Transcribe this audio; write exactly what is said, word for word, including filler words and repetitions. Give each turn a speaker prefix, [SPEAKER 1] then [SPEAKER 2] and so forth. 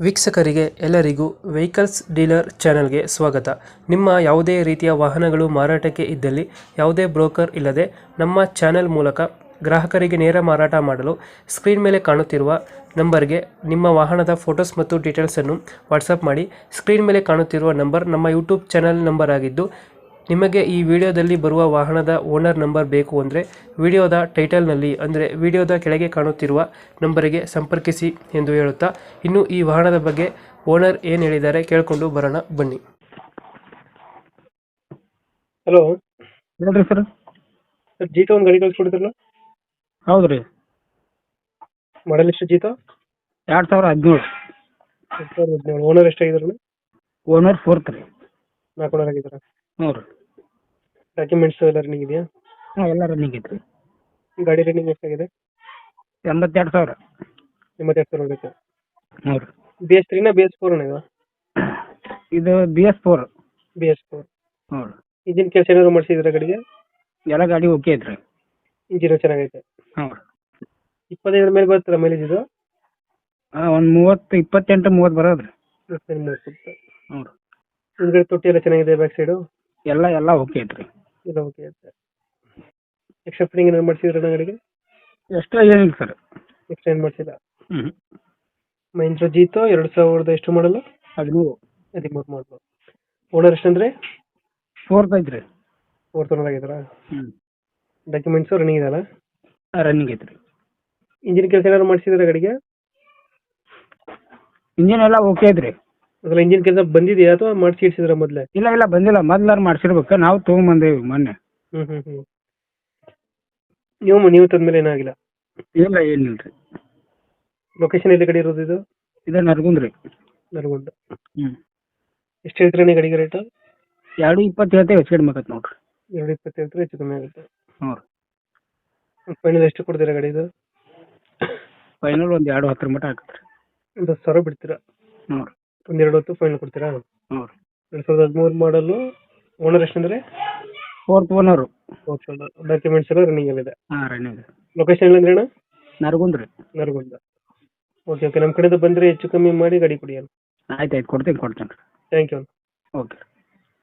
[SPEAKER 1] ವೀಕ್ಷಕರಿಗೆ ಎಲ್ಲರಿಗೂ vehicles dealer ಚಾನೆಲ್ಗೆ ಸ್ವಾಗತ. ನಿಮ್ಮ ಯಾವುದೇ ರೀತಿಯ ವಾಹನಗಳು ಮಾರಾಟಕ್ಕೆ ಇದ್ದಲ್ಲಿ ಯಾವುದೇ ಬ್ರೋಕರ್ ಇಲ್ಲದೆ ನಮ್ಮ ಚಾನೆಲ್ ಮೂಲಕ ಗ್ರಾಹಕರಿಗೆ ನೇರ ಮಾರಾಟ ಮಾಡಲು ಸ್ಕ್ರೀನ್ ಮೇಲೆ ಕಾಣುತ್ತಿರುವ ನಂಬರ್ಗೆ ನಿಮ್ಮ ವಾಹನದ ಫೋಟೋಸ್ ಮತ್ತು ಡೀಟೇಲ್ಸನ್ನು ವಾಟ್ಸಪ್ ಮಾಡಿ. ಸ್ಕ್ರೀನ್ ಮೇಲೆ ಕಾಣುತ್ತಿರುವ ನಂಬರ್ ನಮ್ಮ ಯೂಟ್ಯೂಬ್ ಚಾನೆಲ್ ನಂಬರ್ ಆಗಿದ್ದು, ನಿಮಗೆ ಈ ವಿಡಿಯೋದಲ್ಲಿ ಬರುವ ವಾಹನದ ಓನರ್ ನಂಬರ್ ಬೇಕು ಅಂದರೆ ವಿಡಿಯೋದ ಟೈಟಲ್ನಲ್ಲಿ ಅಂದರೆ ವಿಡಿಯೋದ ಕೆಳಗೆ ಕಾಣುತ್ತಿರುವ ನಂಬರಿಗೆ ಸಂಪರ್ಕಿಸಿ ಎಂದು ಹೇಳುತ್ತಾ, ಇನ್ನು ಈ ವಾಹನದ ಬಗ್ಗೆ ಓನರ್ ಏನು ಹೇಳಿದ್ದಾರೆ ಕೇಳಿಕೊಂಡು ಬರೋಣ ಬನ್ನಿ. ಹಲೋ
[SPEAKER 2] ಹೇಳ್ರಿ ಸರ್.
[SPEAKER 1] ಸರ್, ಜೀತ ಒಂದು ಗಾಡಿ ಕಳಿಸ್ಕೊಡ್ತಿರಲ್ಲ?
[SPEAKER 2] ಹೌದು ರೀ.
[SPEAKER 1] ಮಾಡಲ್ ಎಷ್ಟು ಜೀತ?
[SPEAKER 2] ಎರಡು ಸಾವಿರ ಹದಿನೇಳು.
[SPEAKER 1] ಎರಡು ಸಾವಿರದ ಹದಿನೇಳು. ಓನರ್ ಎಷ್ಟಾಗಿದಾರಲ್ಲ?
[SPEAKER 2] ಓನರ್ ಫೋರ್ತ್ ರೀ.
[SPEAKER 1] ನಾಲ್ಕು ಓನರ್ ಆಗಿದ್ದಾರೆ.
[SPEAKER 2] ಹ್ಞೂ ರೀ.
[SPEAKER 1] ಡಾಕ್ಯುಮೆಂಟ್ಸ್ ಎಲ್ಲ ರನ್ನಿಂಗ್ ಇದೆಯಾ?
[SPEAKER 2] ಹಾಂ, ಎಲ್ಲ ರನ್ನಿಂಗ್ ಐತ್ರಿ.
[SPEAKER 1] ಗಾಡಿ ರನ್ನಿಂಗ್ ಎಷ್ಟಾಗಿದೆ?
[SPEAKER 2] ಎಂಬತ್ತೆರಡು ಸಾವಿರ.
[SPEAKER 1] ಎಂಬತ್ತೆರಡು ಸಾವಿರ ಆಗುತ್ತೆ.
[SPEAKER 2] ಹ್ಞೂ ರೀ.
[SPEAKER 1] ಬಿ ಎಸ್ ತ್ರೀನ ಬಿ ಎಸ್ ಫೋರ್ ಇದು?
[SPEAKER 2] ಇದು B S four.
[SPEAKER 1] B S four.
[SPEAKER 2] ಹ್ಞೂ ರೀ.
[SPEAKER 1] ಇಂಜಿನ್ ಕೆಲಸ ಏನಾದ್ರು ಮಾಡಿಸಿದ್ರೆ ಗಾಡಿಗೆ?
[SPEAKER 2] ಎಲ್ಲ ಗಾಡಿ ಓಕೆ ಐತ್ರಿ.
[SPEAKER 1] ಇಂಜಿನ್ ಚೆನ್ನಾಗೈತೆ.
[SPEAKER 2] ಹ್ಞೂ ರೀ.
[SPEAKER 1] ಇಪ್ಪತ್ತೈದರ ಮೇಲೆ ಬರ್ತಲ್ಲ ಮೈಲೇಜ್ ಇದು?
[SPEAKER 2] ಹಾಂ, ಒಂದು ಮೂವತ್ತು ಇಪ್ಪತ್ತೆಂಟು ಮೂವತ್ತು ಬರೋದು ರೀ.
[SPEAKER 1] ಮೂವತ್ತು.
[SPEAKER 2] ಹ್ಞೂ ರೀ.
[SPEAKER 1] ಹಿಂದ್ಗಡೆ ತೊಟ್ಟಿ ಎಲ್ಲ ಚೆನ್ನಾಗಿದೆ, ಬ್ಯಾಕ್ ಸೈಡು
[SPEAKER 2] ಎಲ್ಲ ಎಲ್ಲ ಓಕೆ ಐತ್ರಿ.
[SPEAKER 1] ಎಲ್ಲ ಓಕೆ ಐತೆ. ಎಕ್ಸ್ಟ್ರಾ ಫಿಟ್ಟಿಂಗ್ ಏನಾದ್ರು ಮಾಡಿಸಿದ್ರೆ ಗಾಡಿಗೆ?
[SPEAKER 2] ಎಕ್ಸ್ಟ್ರಾ ಏನಿಲ್ಲ ಸರ್.
[SPEAKER 1] ಎಕ್ಸ್ಟ್ರಾ ಏನು ಮಾಡಿಸಿಲ್ಲ.
[SPEAKER 2] ಹ್ಞೂ.
[SPEAKER 1] ಮಹೀಂದ್ರ ಜೀತೋ ಎರಡು ಸಾವಿರದ ಎಷ್ಟು ಮಾಡಲ್ಲ?
[SPEAKER 2] ಹದಿಮೂರು.
[SPEAKER 1] ಹದಿಮೂರು ಮಾಡಲು. ಓನರ್ ಎಷ್ಟಂದ್ರೆ?
[SPEAKER 2] ಫೋರ್ತ್ ಐತ್ರಿ.
[SPEAKER 1] ಫೋರ್ತ್ ಓನರ್ ಆಗಿದ್ದಾರಾ?
[SPEAKER 2] ಹ್ಞೂ.
[SPEAKER 1] ಡಾಕ್ಯುಮೆಂಟ್ಸು ರನ್ನಿಂಗ್ ಇದೆಯಲ್ಲ?
[SPEAKER 2] ಹಾಂ, ರನ್ನಿಂಗ್ ಐತ್ರಿ.
[SPEAKER 1] ಇಂಜಿನ್ ಕೆಲಸ ಏನಾದ್ರು ಮಾಡಿಸಿದ್ರೆ ಗಾಡಿಗೆ?
[SPEAKER 2] ಇಂಜಿನ್ ಎಲ್ಲ ಓಕೆ ಐತ್ರಿ.
[SPEAKER 1] ಅದಲ್ಲ, ಇಂಜಿನ್ ಕೆಲಸ ಬಂದಿದೆಯಾ ಅಥವಾ ಮಾಡಿಸಿ ಇಡ್ಸಿದ್ರ ಮೊದಲೇ?
[SPEAKER 2] ಇಲ್ಲ ಇಲ್ಲ ಬಂದಿಲ್ಲ, ಮೊದ್ಲಾರು ಮಾಡ್ಸಿರ್ಬೇಕು. ನಾವು ತೊಗೊಂಬಂದೇವಿ ಮೊನ್ನೆ.
[SPEAKER 1] ಹ್ಞೂ ಹ್ಞೂ ಹ್ಞೂ ನೀವು ನೀವು ತಂದ್ಮೇಲೆ ಏನಾಗಿಲ್ಲ?
[SPEAKER 2] ಇಲ್ಲ, ಏನಿಲ್ಲ ರೀ.
[SPEAKER 1] ಲೊಕೇಶನ್ ಎಲ್ಲಿ ಗಾಡಿ ಇರೋದು ಇದು?
[SPEAKER 2] ಇದು ನರಗುಂದ ರೀ.
[SPEAKER 1] ನರಗುಂದ.
[SPEAKER 2] ಹ್ಞೂ.
[SPEAKER 1] ಎಷ್ಟು ಹೇಳ್ತೀರಾ ನೀವು ಗಾಡಿಗೆ ರೇಟು?
[SPEAKER 2] ಎರಡು ಇಪ್ಪತ್ತು ಹೇಳ್ತೇವೆ, ಹೆಚ್ಚು ಕಡಿಮೆ ಆಗತ್ತೆ ನೋಡ್ರಿ.
[SPEAKER 1] ಎರಡು ಇಪ್ಪತ್ತು ಹೇಳ್ತಾರೆ, ಹೆಚ್ಚು ಕಮ್ಮಿ ಆಗುತ್ತೆ.
[SPEAKER 2] ಹ್ಞೂ ರೀ.
[SPEAKER 1] ಫೈನಲ್ ಎಷ್ಟು ಕೊಡ್ತೀರಾ ಗಾಡಿ ಇದು?
[SPEAKER 2] ಫೈನಲ್ ಒಂದು ಎರಡು ಹತ್ತರ ಮಟ್ಟ ಆಗತ್ತೆ ರೀ.
[SPEAKER 1] ಒಂದು ಹತ್ತು ಸಾವಿರ ಬಿಡ್ತೀರಾ?
[SPEAKER 2] ಹ್ಞೂ ರೀ.
[SPEAKER 1] ಒಂದು ಎರಡು ಹೊತ್ತು ಫೈನಲ್ ಕೊಡ್ತೀರಾ?
[SPEAKER 2] ಹ್ಞೂ ರೀ.
[SPEAKER 1] ಎರಡು ಸಾವಿರದ ಹದಿಮೂರು ಮಾಡಲು. ಓನರ್ ಎಷ್ಟಂದ್ರೆ?
[SPEAKER 2] Fourth owner.
[SPEAKER 1] Fourth owner. Documents ಎಲ್ಲ ರನ್ನಿಂಗ್ ಇದೆ?
[SPEAKER 2] ಹಾಂ, ರನ್ನಿಂಗ್.
[SPEAKER 1] ಲೊಕೇಶನ್ ಎಲ್ಲ ಅಂದ್ರೆ ಅಣ್ಣ?
[SPEAKER 2] ನರಗುಂದ ರೀ.
[SPEAKER 1] ನರಗುಂದ. ಓಕೆ ಓಕೆ, ನಮ್ಮ ಕಡೆಯಿಂದ ಬಂದರೆ ಹೆಚ್ಚು ಕಮ್ಮಿ ಮಾಡಿ ಗಾಡಿ ಕೊಡಿ ಅಣ್ಣ.
[SPEAKER 2] ಆಯ್ತು ಆಯ್ತು, ಕೊಡ್ತೀನಿ ಕೊಡ್ತೀನಿ ರೀ.
[SPEAKER 1] Thank you.
[SPEAKER 2] ಓಕೆ.